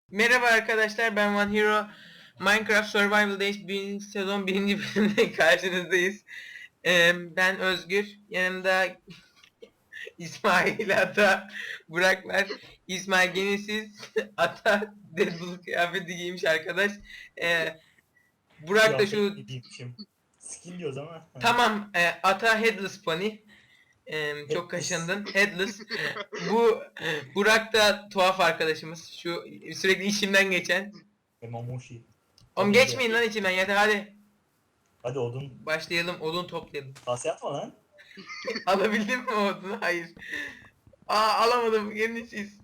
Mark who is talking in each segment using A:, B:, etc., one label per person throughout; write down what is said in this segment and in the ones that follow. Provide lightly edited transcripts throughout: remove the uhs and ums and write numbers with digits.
A: Merhaba arkadaşlar, ben One Hero. Minecraft Survival Days 1. sezon 1. bölümde karşınızdayız. Ben Özgür, yanımda İsmail Ata, Burak var. İsmail gene siz, Ata Deadpool kıyafeti giymiş arkadaş. Burak da
B: Kıyafet
A: şu,
B: gibiymişim. Skin diyoruz ama.
A: tamam, Ata Headless Pony. Çok
B: Headless.
A: kaşındın. Headless. Bu Burak da tuhaf arkadaşımız. Şu sürekli işimden geçen.
B: Mamushi.
A: Oğlum
B: Tabii ki.
A: geçmeyin lan içimden yeter hadi.
B: Hadi odun.
A: Başlayalım, odun toplayalım.
B: Kase atma lan.
A: Alabildin mi odunu? Hayır. Alamadım, yenisiz.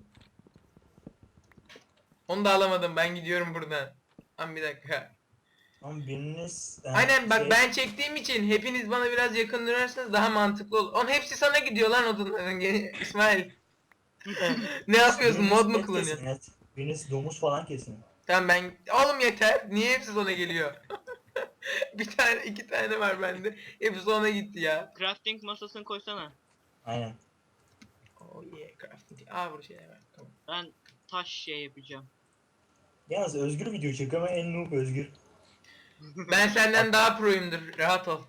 A: Onu da alamadım, ben gidiyorum buradan. Lan bir dakika.
B: Ama biriniz...
A: Aynen bak, ben çektiğim için hepiniz bana biraz yakın durarsanız daha mantıklı olur. Oğlum hepsi sana gidiyor lan odunların. İsmail. Ne yapıyorsun, mod mu
B: et
A: kullanıyorsun?
B: kesin et. Biriniz domuz falan kesin.
A: Tamam ben... Oğlum yeter, niye hepsi sana geliyor? Bir tane, iki tane var bende. Hepsi ona gitti ya.
C: Crafting masasını koysana.
B: Aynen.
A: Oh yeah, crafting. Burada şeyler var. Tamam.
C: Ben taş şey yapacağım.
B: Yalnız Özgür video çekiyor ama en noob Özgür.
A: Ben senden daha proyumdur. Rahat ol.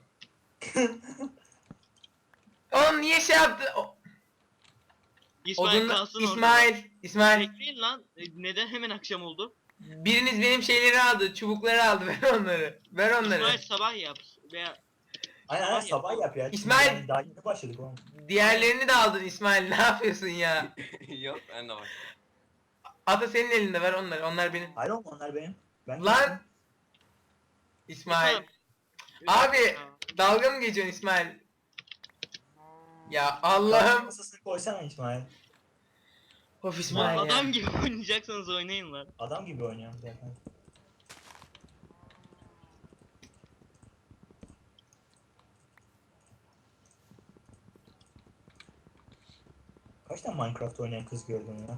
A: Oğlum niye şey yaptı?
C: İsmail
A: Odun...
C: kalsın orada.
A: İsmail.
C: Bekleyin lan. Neden hemen akşam oldu?
A: Biriniz benim şeyleri aldı. Çubukları aldı. Ver onları. Ver onları.
C: İsmail sabah yap. Veya
B: Aynen
C: Sabah
B: sabah yap ya.
A: İsmail-
B: Yani daha yeni başladık oğlum.
A: Diğerlerini de aldın İsmail. Ne yapıyorsun ya?
D: Yok ben de var.
A: Ata senin elinde, ver onları. Onlar benim.
B: Hayır oğlum onlar benim. Ben
A: Lan!
B: kestim.
A: İsmail.
C: İsmail.
A: Abi
C: Ya.
A: dalga mı geçiyorsun İsmail? Ya
B: Kase
A: Allah'ım.
B: masasını koysana İsmail.
A: Of
C: Lan
A: İsmail ya.
C: adam gibi oynayacaksanız oynayın lan.
B: Adam gibi oynuyorum zaten. Kaç tane Minecraft oynayan kız gördün ya?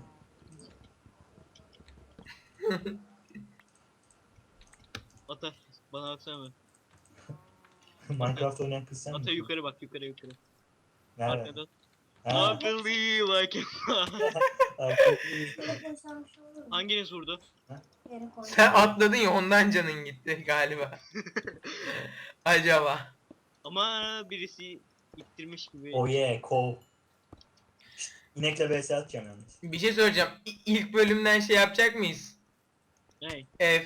C: Ata bana baksana mı?
B: Minecraft oynayan kız sen
C: Ata
B: misin?
C: yukarı bak yukarı.
B: Nerede?
C: Arkadan.
B: Ha.
C: I believe I can fly.
B: Arkadaşlar.
C: Hanginiz vurdu?
A: Sen atladın ya, ondan canın gitti galiba. Acaba.
C: Ama birisi ittirmiş gibi.
B: Oh yeah, kov. Şşt, İnekle vs atacağım yalnız.
A: Bir şey soracağım. İlk bölümden şey yapacak mıyız?
C: Hey.
A: Ev.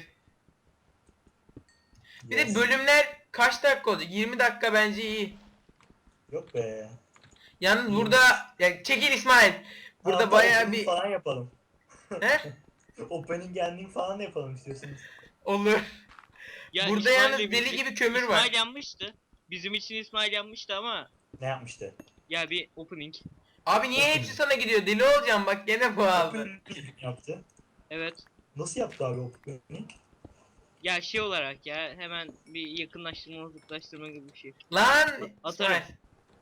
A: Bir de
B: Yes.
A: bölümler kaç dakika olacak? 20 dakika bence iyi.
B: Yok be.
A: Yalnız
B: 20.
A: burada ya çekil İsmail. Burada
B: Hatta
A: bayağı
B: opening
A: bir
B: falan yapalım.
A: he?
B: Opening ending falan da yapalım istiyorsanız.
A: Olur.
C: Ya
A: Burada
C: İsmail'le
A: yalnız
C: birlikte-
A: deli gibi kömür var.
C: İsmail yanmıştı. Bizim için İsmail yanmıştı ama
B: Ne yapmıştı?
C: ya bir opening.
A: Abi niye hepsi sana gidiyor? Deli olacağım bak, gene bu aldı.
B: Opening yaptı.
C: Evet.
B: Nasıl yaptı abi opening?
C: Ya şey olarak ya hemen bir yakınlaştırma uzaklaştırma gibi bir şey.
A: Lan
C: Atarım.
A: İsmail.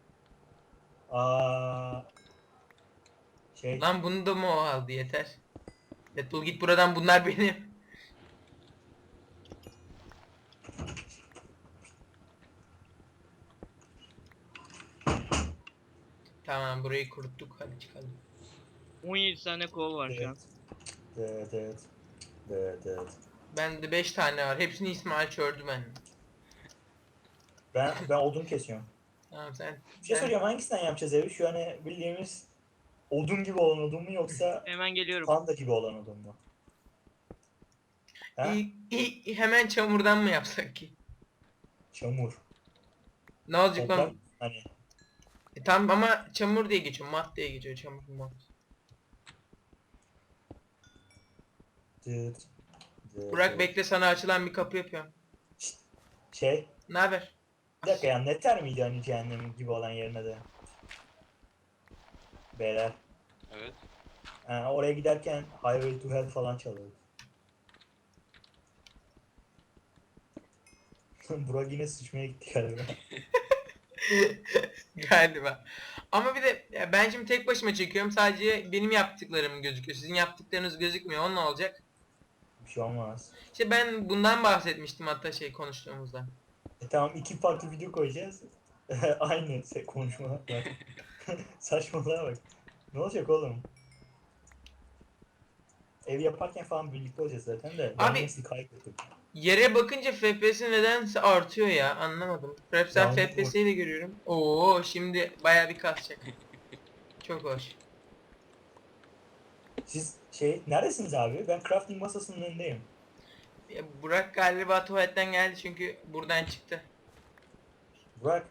B: Aa, şey.
A: Lan bunu da mı o aldı, yeter. Deadpool git buradan, bunlar benim. Tamam, burayı kuruttuk, hadi çıkalım.
C: 17 tane kol var şu an.
B: Evet. Evet. Evet. Evet.
A: Bende 5 tane var, hepsini İsmail çördü ben.
B: Ben odun kesiyorum.
A: Tamam sen.
B: Bir şey soracağım, hangisinden yapacağız evi? Şu hani bildiğimiz odun gibi olan odun mu yoksa
C: Hemen geliyorum.
B: panda gibi olan odun mu? Ha?
A: Hemen çamurdan mı yapsak ki?
B: Çamur.
A: Ne olacak
B: Toprak.
A: lan?
B: Hani
A: Tamam ama çamur diye geçiyor, mat diye geçiyor, çamur mat.
B: dıt, dıt,
A: Burak
B: dıt.
A: bekle, sana açılan bir kapı yapıyorum.
B: Şey.
A: Ne haber?
B: Bir dakika ya, Nether miydi hani cehennem gibi olan yerine de? Beyler.
D: Evet.
B: Oraya giderken Highway to Hell falan çalıyordu. Burak yine sıçmaya gitti galiba.
A: Galiba. Ama bir de ya ben şimdi tek başıma çekiyorum. Sadece benim yaptıklarım gözüküyor. Sizin yaptıklarınız gözükmüyor. O ne olacak?
B: Bir şey olmaz.
A: İşte ben bundan bahsetmiştim hatta şey konuştuğumuzda.
B: Tamam, iki farklı video koyacağız. Aynı konuşmalar var. Saçmalığa bak. Ne olacak oğlum? ev yaparken falan birlikte olacağız zaten de. Ben
A: Abi-
B: neyse kaybettim.
A: Yere bakınca FPS nedense artıyor ya, anlamadım. Rap sen
B: Yağmur var.
A: FPS'yi de görüyorum. Oo, şimdi baya bir kasacak. Çok hoş.
B: Siz neredesiniz abi? Ben crafting masasının önündeyim.
A: Ya, Burak galiba tuvaletten geldi çünkü buradan çıktı.
B: Burak.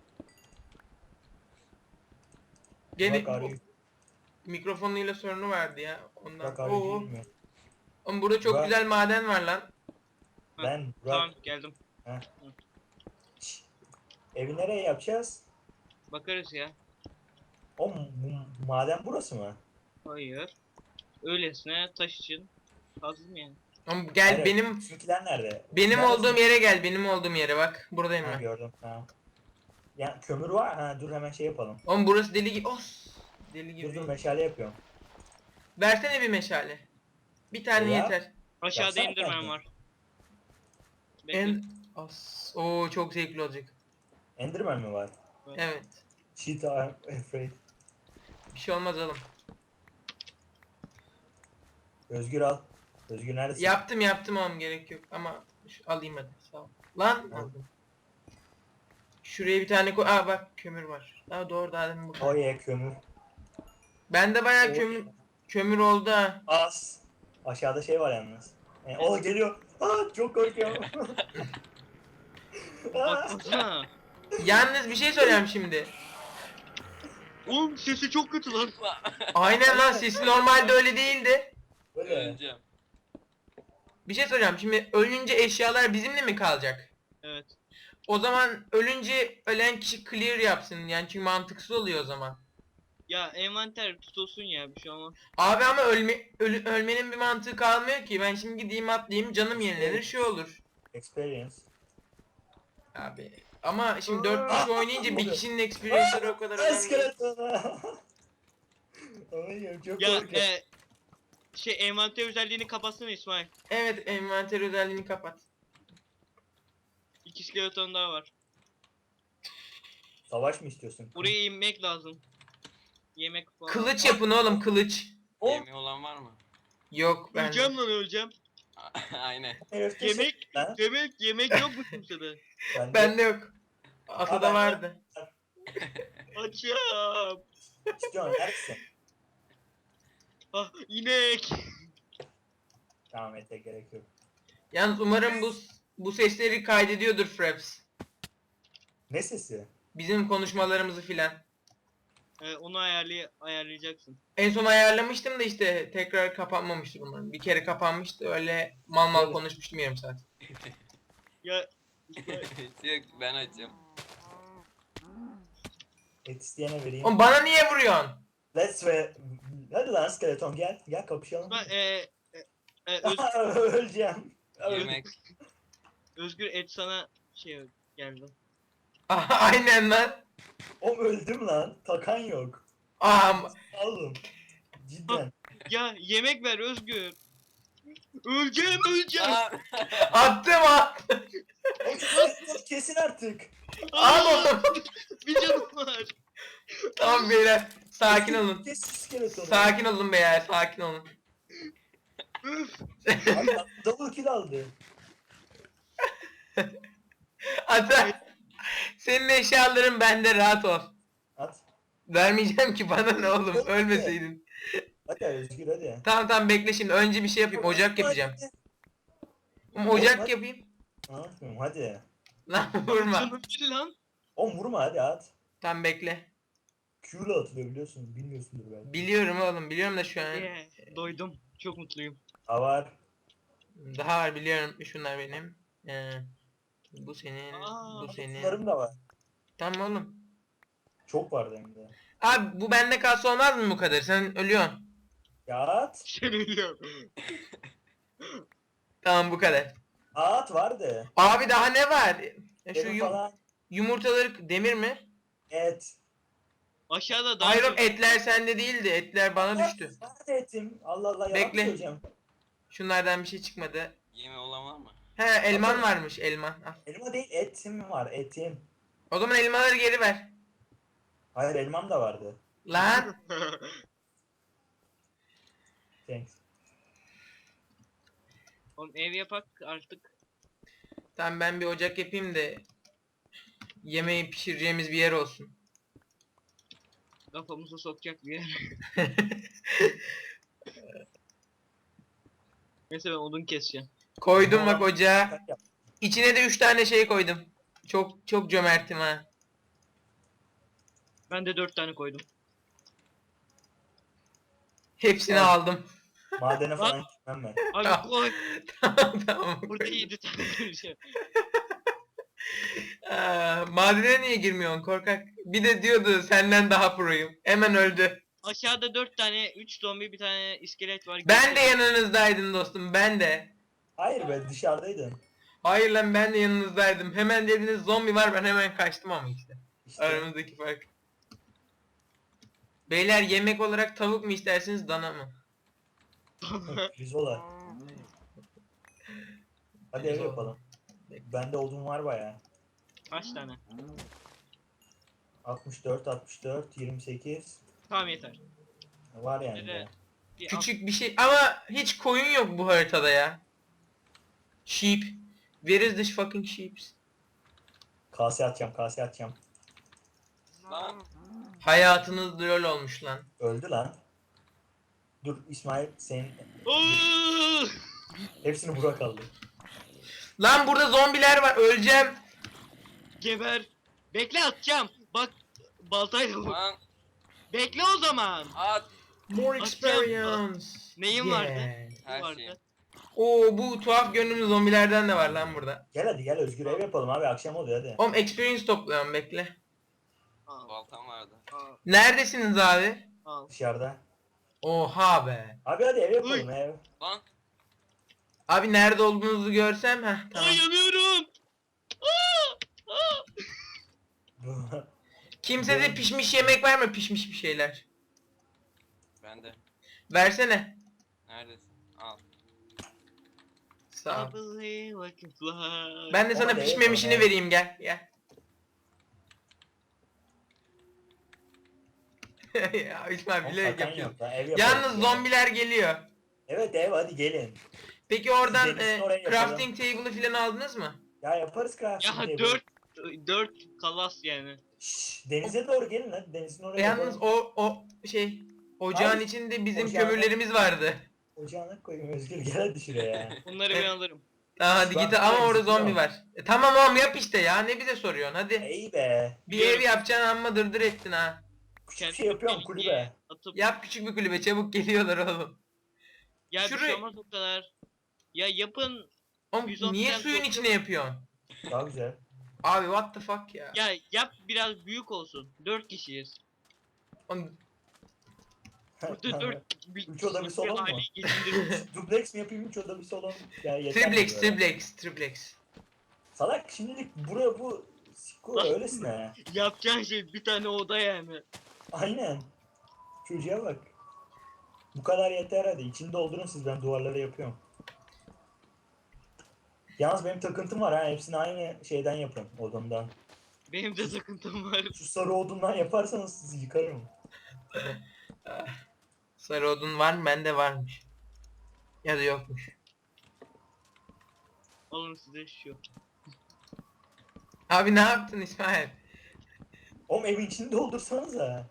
A: Gene
B: Burak arıyor.
A: mikrofonuyla sorunu vardı ya ondan.
B: Burak arıyor
A: Oo.
B: değil mi?
A: Oğlum burada çok
B: Burak.
A: güzel maden var lan.
B: Ben Burak.
C: Tamam geldim.
B: Şşş. Evi nereye yapacağız?
C: Bakarız ya.
B: O maden burası mı?
C: Hayır. Öylesine taş için kazdım yani.
A: Oğlum gel
B: Hayır,
A: benim
B: bizimkiler nerede?
A: benim
B: Neredesin?
A: olduğum yere gel. Benim olduğum yere bak. Buradayım
B: Ha,
A: ben.
B: gördüm. Ha. Ya kömür var. Ha, dur hemen şey yapalım.
A: Oğlum burası deli gibi. Os. Deli
B: Dur
A: gibi.
B: meşale yapıyorum.
A: Versene bir meşale. Bir tane
B: Ya.
A: yeter.
C: Aşağıda
B: Yapsana
C: indirmem
B: kendin.
C: var. Bekle.
A: En As. Oo, çok zevkli olacak.
B: Enderman mi var?
A: Evet.
B: Shit I'm afraid.
A: Bir şey olmaz oğlum.
B: Özgür al. Özgür neredesin?
A: Yaptım oğlum, gerek yok ama alayım hadi, sağ ol. Lan
B: Al.
A: aldım. Şuraya bir tane koy. Aa bak, kömür var. Daha doğru, daha demin burada.
B: Oh yeah kömür.
A: Bende bayağı
B: Oh
A: kömür oldu ha.
B: Az. Aşağıda şey var yalnız. O geliyor. Aa, çok korkuyorum. Aa,
C: Baksana.
A: Yalnız bir şey söyleyeyim şimdi.
C: Oğlum sesi çok kötü lan.
A: Aynen lan, sesi normalde öyle değildi.
B: böyle.
D: Öleceğim.
A: Bir şey söyleyeceğim, şimdi ölünce eşyalar bizimle mi kalacak?
C: Evet.
A: O zaman ölünce ölen kişi clear yapsın yani, çünkü mantıksız oluyor o zaman.
C: Ya envanter tutulsun ya bir şey olmaz.
A: Abi ama ölmenin bir mantığı kalmıyor ki. Ben şimdi gideyim atlayayım, canım yenilenir, şey olur.
B: Experience.
A: Abi ama şimdi 4 kişi oynayınca bir kişinin experience'ları o kadar önemli değil.
B: İskeletona. Ay çok
C: Ya
B: korkuyorum.
C: envanter özelliğini kapatsana İsmail.
A: Evet, envanter özelliğini kapat.
C: 2 skeleton daha var.
B: Savaş mı istiyorsun?
C: Buraya inmek lazım. Yemek falan.
A: Kılıç yapın oğlum, kılıç.
B: O
D: Yemeği olan var mı?
A: Yok ben.
C: Öleceğim lan öleceğim.
D: Aynen.
B: herifte
C: Yemek,
B: Ha?
C: yemek yok mu kimsede?
A: Bende yok. Atada
B: ben-
A: vardı.
C: Açım.
B: İstiyorsun neredesin?
C: Ah inek.
B: Tamam ete gerek yok.
A: Yalnız umarım bu sesleri kaydediyordur Fraps.
B: Ne sesi?
A: Bizim konuşmalarımızı filan.
C: Onu ayarlayacaksın.
A: En son ayarlamıştım da işte tekrar kapanmamıştır umarım. Bir kere kapanmıştı, öyle mal
B: Evet.
A: konuşmuştum yarım saat.
C: Ya işte,
D: Yok ben açım.
B: Et isteyene vereyim.
A: Oğlum bana niye vuruyorsun?
B: Let's ve... Hadi lan skeleton gel. Gel kapışalım. Öleceğim.
D: Yemek.
C: Özgür et sana şey geldi.
A: Aynen lan.
B: Oğlum öldüm lan. Takan yok.
A: Aa,
B: Oğlum. Cidden.
C: Ya yemek ver Özgür. Öleceğim.
D: Aa,
A: attım.
B: Oğlum kesin artık.
A: Al oğlum.
C: Bir canım var.
A: Tamam beyler, sakin olun.
B: Kesin skeletonu.
A: Sakin olun beyler, sakin olun.
C: Üf.
B: Abi, double kill aldı.
A: Ata, senin eşyaların bende, rahat ol.
B: At.
A: Vermeyeceğim ki, bana ne oğlum, ölmeseydin.
B: Hadi Özgür hadi.
A: Tamam bekle, şimdi önce bir şey yapayım, ocak yapacağım. Ocak yapayım.
B: Anlatmıyorum hadi.
A: Lan vurma.
C: Canım değil lan.
B: Oğlum vurma hadi at.
A: Tamam bekle.
B: Q'la atılıyor biliyorsun. Bilmiyorsundur belki.
A: Biliyorum oğlum, biliyorum da şu an.
C: Doydum. Çok mutluyum.
B: Ha var.
A: Daha var, biliyorum, şunlar benim. Bu senin,
C: Aa,
A: bu senin.
B: Bunlarım da var.
A: Tamam oğlum.
B: Çok vardı hem de.
A: Abi bu bende kalsa olmaz mı bu kadar? Sen ölüyorsun.
B: Ya at.
C: Sen ölüyorum.
A: Tamam, bu kadar.
B: At vardı.
A: Abi daha ne var? Ya şu
B: Benim falan
A: yumurtaları demir mi?
B: et.
C: Aşağıda daha
A: Hayır oğlum,
C: çok-
A: etler sende değildi. Etler bana düştü.
B: Nerede etim? Allah Allah yalan
A: Bekle.
B: söyleyeceğim.
A: Şunlardan bir şey çıkmadı.
D: yemeği olan var mı?
A: He, elman
B: Atalım.
A: varmış, elman. Al.
B: Elma değil etim var etim.
A: O zaman elmaları geri ver.
B: Hayır elmam da vardı.
A: Lan.
B: Thanks.
C: Oğlum ev yapak artık.
A: Tamam ben bir ocak yapayım da yemeği pişireceğimiz bir yer olsun.
C: Kafamızı sokacak bir yer. Neyse ben odun keseceğim.
A: Koydum bak
B: Ulan,
A: ocağa.
B: sen yap.
A: İçine de 3 tane şey koydum. Çok çok cömertim ha.
C: Ben de 4 tane koydum.
A: Hepsini
B: Al.
A: aldım.
B: Madene falan gitmem ben.
C: Abi
A: Tamam.
C: koy.
A: Tamam.
C: Burada 7 tane bir şey.
A: Madene niye girmiyorsun korkak? Bir de diyordu senden daha proyum. Hemen öldü.
C: Aşağıda 4 tane 3 zombi bir tane iskelet var.
A: Ben de yanınızdaydım dostum ben de.
B: Hayır be, dışarıdaydın.
A: Hayır lan ben de yanınızdaydım. Hemen dediniz zombi var ben hemen kaçtım ama işte.
B: İşte
A: Aramızdaki fark. Beyler yemek olarak tavuk mu istersiniz dana mı?
B: pirzola. Hadi ev
A: Pirzola.
B: yapalım. Bende odun var baya.
C: Kaç tane?
B: 64, 64, 28
C: Tamam yeter.
B: var yani.
C: Bir de-
B: ya.
C: Bir
A: Küçük bir şey ama hiç koyun yok bu haritada ya. Sheep. Where is the fucking sheep?
B: Kase atacağım, kase atacağım.
D: Lan.
A: Hayatınız lol olmuş lan.
B: Öldü lan. Dur İsmail, senin
C: Oo!
B: hepsini Burak aldı.
A: Lan burada zombiler var öleceğim.
C: Geber. Bekle atacağım. Bak baltayla vur.
D: Lan.
C: Bekle o zaman.
D: At.
A: More
C: Atacağım.
A: experience.
C: Neyim vardı?
D: Her
C: vardı.
D: şeyi.
A: Oo bu tuhaf görünümlü zombilerden de var lan burada.
B: Gel hadi gel, Özgür ev yapalım abi, akşam oluyor hadi.
A: Oğlum experience topluyorum bekle.
C: Al,
D: Baltam vardı.
C: al,
A: Neredesiniz abi?
C: al.
B: Dışarıda.
A: Oha be.
B: Abi hadi ev yapalım
C: Uy.
B: ev.
D: Lan.
A: Abi nerede olduğunuzu görsem heh tamam.
C: Ay yanıyorum. Aa! Aa!
A: Kimsede pişmiş yemek var mı pişmiş bir şeyler?
D: Bende.
A: Versene.
D: Neredesin? Al.
A: Sağ
C: I
A: ol.
C: believe I can fly.
A: Ben de sana
B: Orada
A: pişmemişini
B: yapalım,
A: vereyim gel gel. Ya İsmail
B: Oğlum,
A: bilerek
B: zaten
A: yapıyor.
B: yok lan, ev yapalım.
A: Yalnız
B: Gel.
A: zombiler geliyor.
B: Evet ev, hadi gelin.
A: Peki oradan
B: denizin oraya yapalım.
A: crafting table'ı falan aldınız mı?
B: Ya yaparız crafting
C: Ya
B: table.
C: 4 kalas yani.
B: Şşş, denize doğru gelin hadi, denizin oraya
A: Yalnız
B: yapalım.
A: o şey ocağın
B: Abi,
A: içinde bizim
B: ocağın-
A: kömürlerimiz vardı.
B: Ocağına koyayım Özgür, gel hadi şuraya.
C: Bunları ben alırım.
A: Tamam hadi
B: Ben
A: git ama
B: buraya
A: orada
B: gidiyorum.
A: zombi var. Tamam oğlum yap işte ya ne bize soruyorsun hadi.
B: İyi be.
A: Bir
C: Biliyorum.
A: ev yapacaksın amma dırdır ettin ha.
B: Küçük bir şey yapıyorum, kulübe.
C: Atıp
A: Yap küçük bir kulübe çabuk geliyorlar oğlum.
C: ya bir
A: Şuraya-
C: şey olmaz o kadar. Ya yapın.
A: Oğlum
C: 110
A: niye
C: tane
A: suyun
C: toplu-
A: içine yapıyorsun?
B: Daha güzel.
A: Abi what the fuck ya.
C: Ya yap biraz büyük olsun. 4 kişiyiz.
A: Oğlum,
C: Burada 4
B: Üç oda bir salon mu? Duplex mi yapayım, 3 oda bir salon? Yani yeter
A: triplex
B: mi böyle?
A: triplex.
B: Salak şimdilik buraya bu sikko öylesine.
C: Yapacağın şey bir tane oda yani.
B: Aynen. Çocuğa bak. Bu kadar yeter hadi. İçini doldurun siz, ben duvarlara yapıyorum. Yalnız benim takıntım var ha. Hepsini aynı şeyden yapın, odundan.
C: Benim de takıntım var.
B: Şu sarı odundan yaparsanız sizi yıkarım.
A: Sarı odun var mı? Bende varmış. Ya da yokmuş.
C: Alın size şu.
A: Abi ne yaptın İsmail?
B: Oğlum evin içini doldursanıza.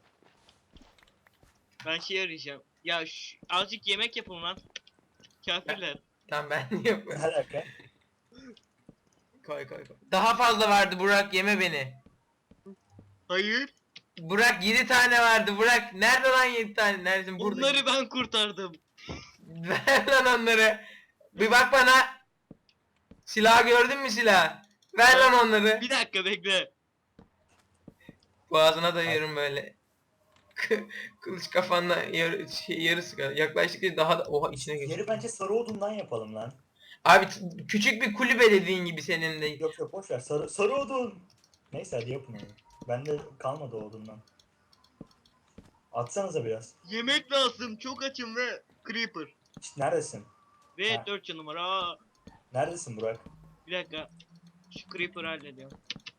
C: Ben şey arayacağım. Ya azıcık yemek yapın lan. Kafirler.
A: Tamam ben
B: Ne
A: yapıyorum.
B: alaka?
A: Koy. Daha fazla vardı Burak yeme beni.
C: Hayır.
A: Burak 7 tane vardı Burak. Nerede lan 7 tane? Neredesin? Burada.
C: Bunları ben kurtardım.
A: Ver lan onları. Bir bak bana. Silah gördün mü silah? Ver lan onları.
C: Bir dakika bekle.
A: Boğazına dayıyorum böyle. Kılıç kafanla yarısı kadar. Yaklaştıkça daha da oha içine geçiyor.
B: Yeri bence sarı odundan yapalım lan.
A: Abi küçük bir kulübe dediğin gibi senin de.
B: Yok boş ver. Sarı odun. Neyse hadi yapın onu. Bende kalmadı o odundan. Atsanıza biraz.
C: Yemek lazım. Çok açım ve creeper.
B: İşte neredesin?
C: Ve
B: Ha.
C: 4 canım var. Aa,
B: Neredesin Burak?
C: bir dakika. Şu creeper'ı hallediyorum.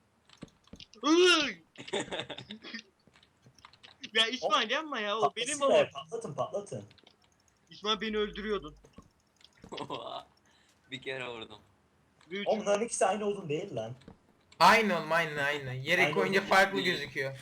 C: Iıy! Ya İsmail yapma ya. O benim
B: Patlasın
C: babam.
B: be, patlatın.
C: İsmail beni öldürüyordun.
D: Bir kere vurdum.
C: 3.
B: Oğlum bunların ikisi aynı odun değil lan.
A: Aynı oğlum, aynı. Yere
B: Aynı
A: koyunca
B: odun
A: farklı
D: değil.
A: gözüküyor.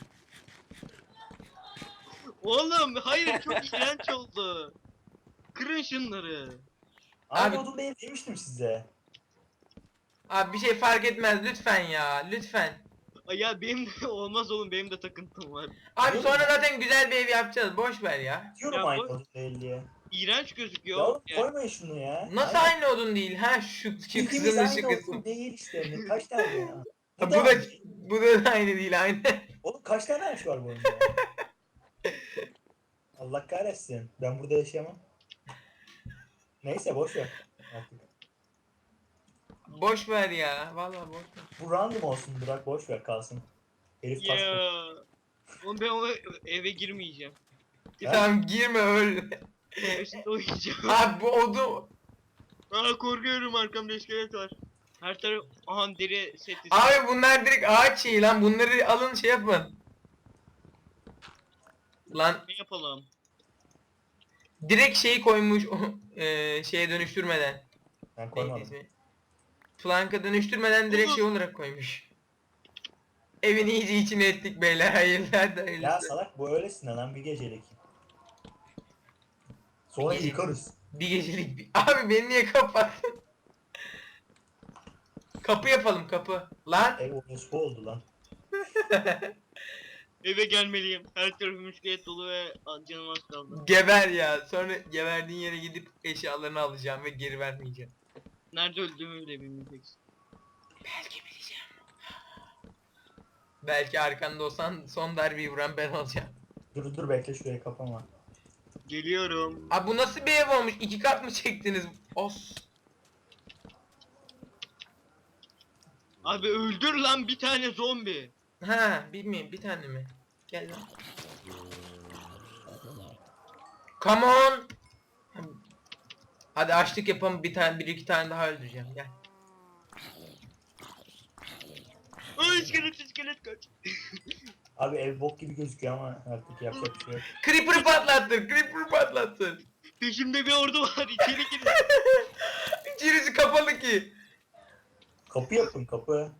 C: Oğlum hayır çok iğrenç oldu. Kırın şunları.
B: Aynı
A: Abi-
B: odun değil demiştim size.
A: Abi bir şey fark etmez lütfen ya, lütfen.
C: Ay ya benim de olmaz oğlum, benim de takıntım var.
A: Abi
B: Diyorum
A: sonra
B: ya.
A: zaten güzel bir ev yapacağız, boş ver ya.
B: Diyorum
C: Ya
B: aynı
C: bu-
B: odun değil diye.
C: İğrenç
B: Ya
C: gözüküyor.
B: oğlum
C: Ya,
B: koymayın şunu ya.
A: Nasıl aynı odun değil? Ha şu
B: Bildiğimiz
A: kızılmış
B: aynı
A: kısmı.
B: odun değil işte. Kaç tane ya?
A: Ha,
B: Bu da aynı.
A: bu da aynı değil, aynı.
B: Oğlum kaç tane ağaç var bu oyunda ya? Allah kahretsin. Ben burada yaşayamam. Neyse boş ver. Artık.
A: Boş ver ya, vallahi boş ver.
B: Bu random olsun, bırak boş ver kalsın. Herif taş koy.
C: ya. Oğlum ben o eve girmeyeceğim.
B: Ha?
A: Tamam girme öl.
C: Üstünde uyuyacağım.
A: Abi bu odun.
C: Aa korkuyorum, arkamda iskelet var. Her taraf aha deri seti.
A: Abi bunlar direkt ağaç şeyi lan, bunları alın şey yapın. Lan
C: Ne yapalım?
A: direkt şeyi koymuş şeye dönüştürmeden.
B: Ben
A: Neydi
B: koymadım.
A: ismi? Plank'a dönüştürmeden direkt şey olarak koymuş. Evin iyice içine ettik beyler, hayırlar da
B: Ya
A: hayırlısı.
B: salak bu öylesine lan bir gecelik. Sonra
A: Bir gece-
B: yıkarız.
A: Bir gecelik Abi beni niye kapattın? Kapı yapalım, kapı. Lan
B: Ev orospu oldu lan.
C: Eve gelmeliyim. Her tarafım iskelet dolu ve canım az kaldı.
A: geber ya. Sonra geberdiğin yere gidip eşyalarını alacağım ve geri vermeyeceğim.
C: Nerede öldüğümü bile bilmeyeceksin.
A: Belki bileceğim. Belki arkanda olsan son darbeyi vuran ben olacağım.
B: Dur bekle şurayı kapama.
C: Geliyorum.
A: Abi bu nasıl bir ev olmuş? 2 kat mı çektiniz? Os.
C: Abi öldür lan bir tane zombi.
A: Ha, bilmiyorum, bir tane mi? Gel lan. Come on. Hadi açlık yapalım, bir iki tane daha öldüreceğim. Gel.
C: Ay iskelet kaç.
B: Abi ev bok gibi gözüküyor ama artık yapacak bir şey yok.
A: Creeper'ı patlattır. Creeper'ı patlattır.
C: Peşimde bir ordu var, içeri girin.
A: İçerisi kapalı ki.
B: Kapı yapın kapı.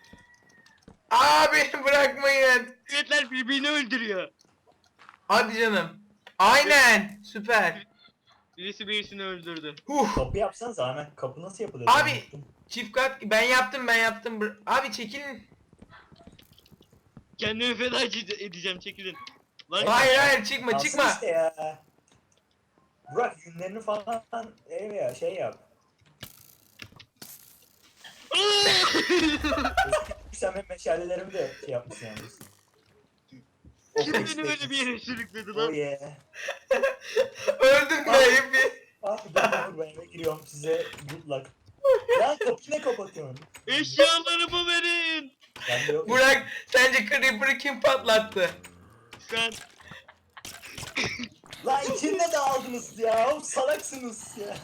A: Abi bırakmayın.
C: İskeletler birbirini öldürüyor.
A: Hadi canım. Aynen. Süper.
C: Birisi birisini öldürdü.
A: Huh.
B: Kapı yapsanız hemen kapı nasıl yapılır?
A: Abi.
B: Ben unuttum.
A: Çift kat. Ben yaptım. Abi çekilin.
C: Kendimi feda edeceğim, çekilin. Lan
A: Hayır çıkma
B: Kalsın
A: çıkma.
B: işte ya. Burak yünlerini falan ev ya şey yap. Sen benim meşalelerimi de şey yapmışsın yalnız.
C: Kim beni böyle bir yere sürükledi
B: Oh
C: lan?
B: yeah.
A: Öldüm be hep.
B: Abi dur ben eve giriyorum size good luck. Lan kapıyı ne kapatıyorsun?
C: Eşyalarımı verin.
B: Ben de yok.
A: Burak, sence Creeper'ı kim patlattı?
C: Sen
B: Lan içinde de aldınız ya. Oğlum salaksınız ya.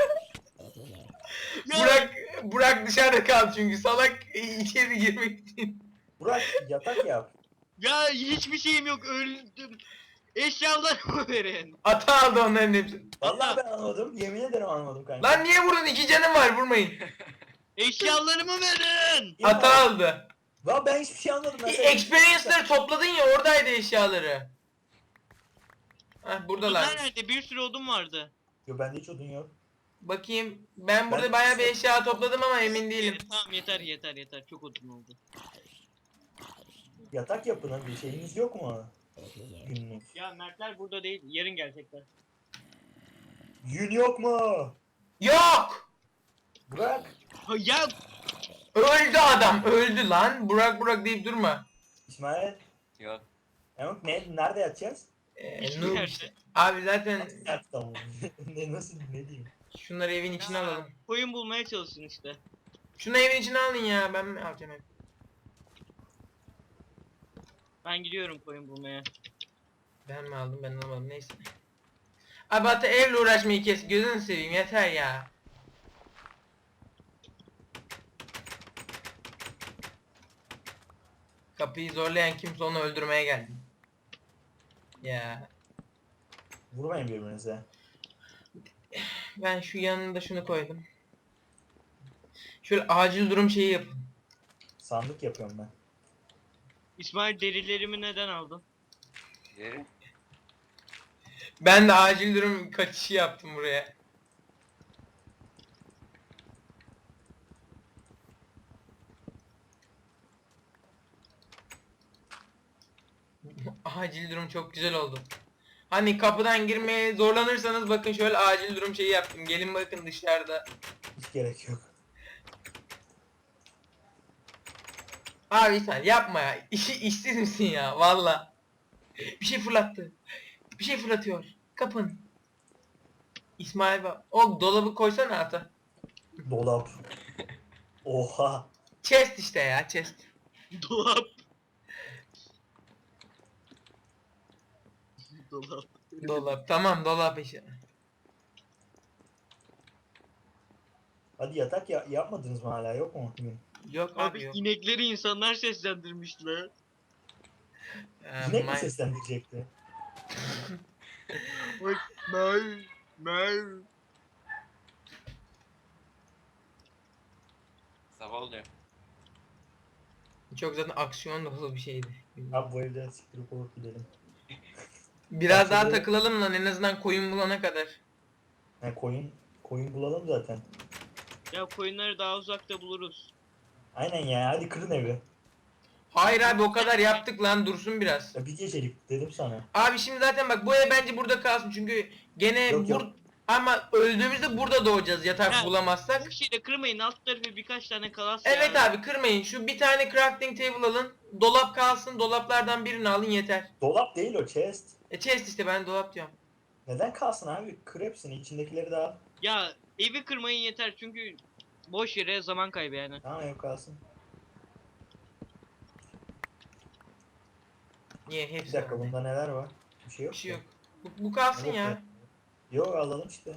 C: ya
A: Burak dışarıda kaldı çünkü salak içeri girmek için.
B: Burak yatak yap.
C: ya hiçbir şeyim yok, öldüm. Eşyalarımı verin.
A: Ata aldı onların hepsini.
B: Vallahi ben anlamadım. Yemin ederim anlamadım kanka.
A: Lan niye vurdun? 2 canım var, vurmayın.
C: Eşyalarımı verin.
B: Ya,
A: Ata aldı.
B: Lan ben hiçbir şey anlamadım. Ben
A: Experience'ları topladın ya, oradaydı eşyaları. Hah buradalar.
C: Bunlar nerede? Bir sürü odun vardı.
B: Yo bende hiç odun yok.
A: Bakayım. Ben burada
B: Ben-
A: bayağı bir eşya topladım ama emin değilim.
C: Tamam yeter. Çok odun oldu.
B: Yatak yapın hadi. Şeyiniz yok mu? Günlük.
C: Ya Mertler burada değil. Yarın gelecekler.
B: Yün yok mu?
A: Yok!
C: Ha,
B: Burak.
C: ya
A: Öldü adam, öldü lan. Burak deyip durma.
B: İsmail.
D: Yok.
B: Emok nerede yatacağız?
C: Hiçbir
A: Noob
C: yerde.
A: işte. Abi zaten
B: Yat tamam. Nasıl ne diyeyim?
A: şunları evin içine alalım.
C: koyun bulmaya çalışın işte.
A: Şunu evin içine alın ya, ben mi alacağım hep?
C: Ben gidiyorum koyun bulmaya.
A: Ben mi aldım, ben almadım, neyse. Abi hatta evle uğraşmayı kes, gözünü seveyim, yeter ya. Kapıyı zorlayan kimse onu öldürmeye geldi. Ya
B: Vurmayın birbirinize.
A: ben şu yanında şunu koydum. Şöyle acil durum şeyi yapın.
B: Sandık yapıyorum ben.
C: İsmail derilerimi neden aldın?
D: Geri.
A: Ben de acil durum kaçışı yaptım buraya. Acil durum çok güzel oldu. Hani kapıdan girmeye zorlanırsanız bakın şöyle acil durum şeyi yaptım. Gelin bakın dışarıda.
B: Hiç gerek yok.
A: Abi sen yapma ya. İşsiz misin ya valla. Bir şey fırlattı. Bir şey fırlatıyor. Kapın. İsmail bak. O dolabı koysana ata.
B: Dolap. Oha.
A: Chest işte ya chest.
C: Dolap. Dolap.
A: Dolap. Tamam dolap işte.
B: Hadi yatak yapmadınız mı hala, yok mu? Bugün?
A: Yok abi
C: Abi
A: yok.
C: inekleri insanlar seslendirmişler.
B: İnek mi
A: Mine-
B: seslendirecekti?
C: Bak Mev. Mev.
D: Sabah oluyor.
A: Çok zaten aksiyon dolu bir şeydi.
B: Abi bu evden siktirip olup gidelim.
A: Biraz daha
B: Bahçede-
A: takılalım lan en azından koyun bulana kadar.
B: Ha, koyun bulalım zaten.
C: Ya koyunları daha uzakta buluruz.
B: Aynen ya, hadi kırın evi.
A: Hayır abi o kadar yaptık lan dursun biraz.
B: Ya bir gecelik dedim sana.
A: Abi şimdi zaten bak bu ev bence burada kalsın çünkü gene
B: Yok, yok.
A: ama öldüğümüzde burada doğacağız yatak
C: Ya,
A: bulamazsak.
C: Bu şeyde kırmayın, alt tarafı birkaç tane kalas
A: Evet
C: ya.
A: abi kırmayın şu bir tane crafting table alın. Dolap kalsın dolaplardan birini alın yeter.
B: Dolap değil o, chest.
A: Chest işte ben dolap diyorum.
B: Neden kalsın abi? Kır hepsini, içindekileri de al.
C: Ya evi kırmayın yeter çünkü boş yere zaman kaybı yani.
B: Tamam, ev kalsın.
A: Niye
B: Bir
A: hepsi
B: dakika,
A: bende.
B: bunda neler var? Bir şey yok
A: Bir şey
B: ki.
A: yok. Bu kalsın
B: Yok
A: ya.
B: Yok, alalım işte.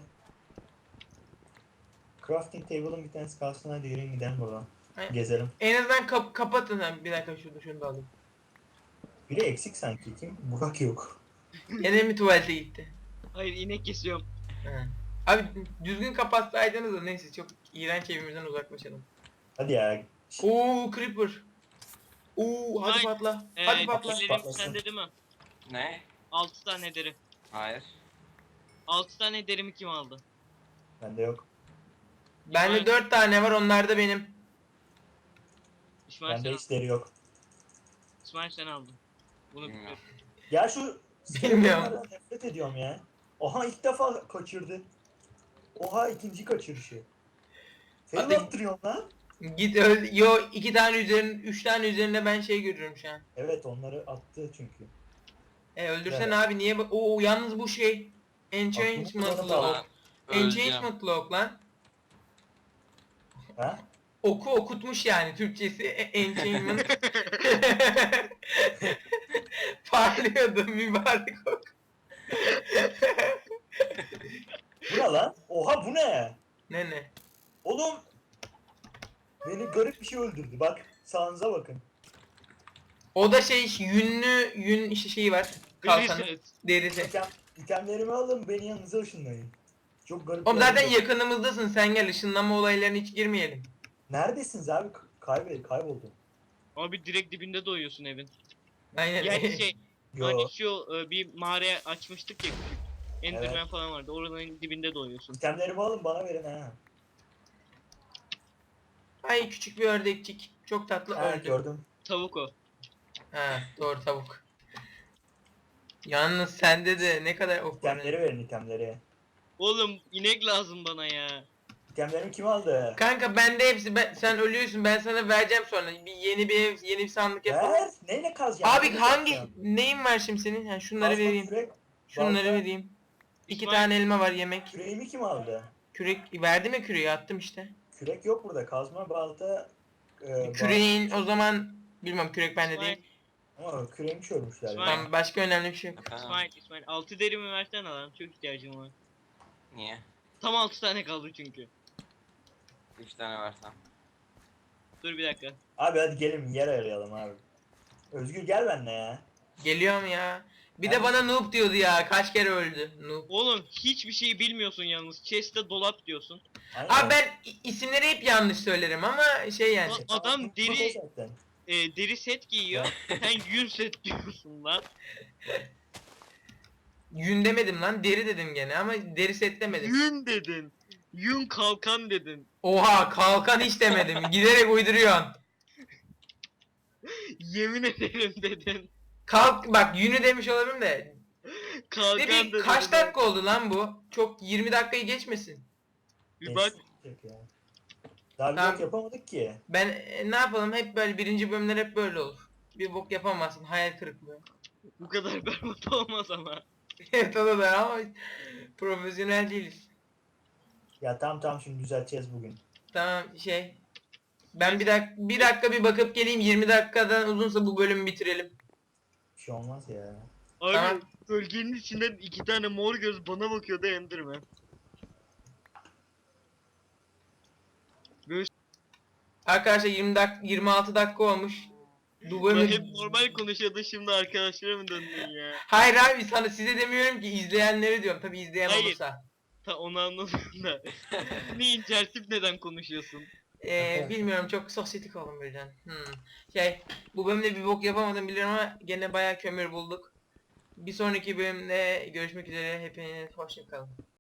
B: Crafting table'ın bir tanesi kalsın, hadi yürüyün gidelim buradan.
A: Aynen.
B: Gezelim.
A: En azından kapatın ha. Bir dakika şunu da alayım.
B: Biri eksik sanki, kim? Burak yok.
A: Gene mi tuvalete gitti?
C: Hayır, inek kesiyorum.
A: Ha. Abi düzgün kapatsaydınız da neyse çok iğrenç evimizden uzaklaşalım.
B: Hadi ya.
A: Oo creeper. Oo hadi
C: Vay.
A: patla. Hadi patla.
B: patla.
C: Derilerim
B: Patlasın.
C: sende değil mi?
D: Ne?
C: 6 tane deri.
D: Hayır.
C: 6 tane derimi kim aldı?
B: Bende yok.
A: Bende
C: İsmail-
A: 4 tane var onlar da benim.
C: İsmail sen,
B: Bende hiç deri yok.
C: İsmail sen aldın. Bunu
D: Bilmiyorum.
B: Ya şu
A: Bilmiyorum.
B: skeletonlardan nefret ediyorum ya. Oha, ilk defa kaçırdı. Oha, ikinci kaçırışı.
A: Hadi.
B: Fail attırıyorum lan.
A: Git öl. Yo 2 tane üzerine 3 tane üzerine ben şey görüyorum şu an.
B: Evet, onları attı çünkü.
A: Öldürsen
B: Evet.
A: abi niye Oo yalnız bu şey Enchantment
B: Aklımı
A: Lock.
B: kullanıp
D: Öleceğim.
A: Enchantment Lock lan.
B: Ha?
A: Oku okutmuş yani Türkçesi enchantment. Parlıyordu mübarek ok.
B: Bu ne lan? Oha, bu ne?
A: Ne?
B: Oğlum. Beni garip bir şey öldürdü. Bak, sağınıza bakın.
A: O da şey yün işte şeyi var. Kalkanı.
C: Verirsiniz.
A: Derisi.
B: İtemlerimi alın, beni yanınıza ışınlayın. Çok garip.
A: Oğlum
B: bir
A: zaten
B: hareket.
A: yakınımızdasın sen gel ışınlanma olaylarına hiç girmeyelim.
B: Neredesiniz abi? Kayboldum.
C: Abi direkt dibinde doyuyorsun evin.
A: Aynen.
C: Yani şey,
B: Yo.
C: hani şu bir mağara açmıştık ya küçük. Enderman
B: Evet.
C: falan vardı. Oranın dibinde doyuyorsun.
B: İtemlerimi alın, bana verin ha.
A: Ay küçük bir ördekçik. Çok tatlı
B: Ha,
A: öldü.
B: gördüm.
C: Tavuk o.
A: Ha doğru tavuk. Yalnız sende de ne kadar ok var.
B: İtemleri verin, itemleri.
C: Oğlum inek lazım bana ya.
B: İtemlerimi kim aldı?
A: Kanka bende hepsi sen ölüyorsun ben sana vereceğim sonra yeni bir ev yeni bir sandık yapalım.
B: Ver. Neyle kazacağım?
A: Abi
B: Neyle
A: hangi
B: kazacağım?
A: neyin var şimdi senin? Ha, şunları
B: Kazma,
A: vereyim.
B: Kürek.
A: Şunları
B: balta.
A: vereyim. 2
C: İsmail-
A: tane elma var yemek.
B: Küreğimi kim aldı?
A: Kürek verdi mi küreği attım işte.
B: Kürek yok burada. Kazma, balta.
A: Küreğin o zaman bilmem kürek bende
C: İsmail,
A: değil.
B: Ama küreğimi çörmüşler.
C: İsmail.
B: Ya.
A: Tamam başka önemli bir şey yok.
D: Efendim?
C: İsmail 6 derimi versene lan. Çok ihtiyacım var.
D: Niye?
C: Tam 6 tane kaldı çünkü.
D: 3 tane versem.
C: Dur bir dakika.
B: Abi hadi gelin yer arayalım abi. Özgür gel benimle ya.
A: Geliyorum ya. Bir de bana noob diyordu ya. Kaç kere öldü noob.
C: Oğlum hiçbir şey bilmiyorsun yalnız. Chest'te dolap diyorsun.
B: Aynen.
A: Abi ben isimleri hep yanlış söylerim ama şey yani.
C: Lan adam
B: Bu
C: deri
B: zaten.
C: deri set giyiyor. Sen yün set diyorsun lan.
A: Yün demedim lan, deri dedim gene ama deri set demedim.
C: Yün dedin. Yün kalkan dedin.
A: Oha, kalkan hiç demedim. Giderek uyduruyorsun.
C: Yemin ederim dedin.
A: Kalk bak, yünü demiş olabilirim de.
C: Kalkan
A: Peki
C: dedin.
A: kaç dakika oldu lan bu? Çok 20 dakikayı geçmesin.
C: Bir bak.
B: Geçecek ya. Daha bir
A: Tamam.
B: bok yapamadık ki.
A: Ben ne yapalım, hep böyle birinci bölümler hep böyle olur. Bir bok yapamazsın, hayal kırıklığı.
C: Bu kadar berbat olmaz ama.
A: Evet, o da var ama profesyonel değiliz.
B: Ya tamam şimdi düzelteceğiz bugün.
A: Tamam şey. Ben bir dakika bir bakıp geleyim, 20 dakikadan uzunsa bu bölümü bitirelim.
B: Bir şey olmaz ya.
C: Abi
A: Tamam.
C: bölgenin içinden 2 tane mor göz bana bakıyordu Enderman.
A: Arkadaşlar 26 dakika olmuş. Bu
C: Ben
A: bölümü...
C: hep normal konuşuyordun şimdi arkadaşlara mı döndün ya?
A: Hayır abi, sana size demiyorum ki, izleyenleri diyorum. Tabi izleyen
C: Hayır.
A: olursa.
C: Ta onu anladım da. Ne incersip neden konuşuyorsun?
A: Bilmiyorum, çok sosyetik oldum birden. Şey, bu bölümde bir bok yapamadım biliyorum ama gene bayağı kömür bulduk. Bir sonraki bölümde görüşmek üzere. Hepiniz hoşça kalın.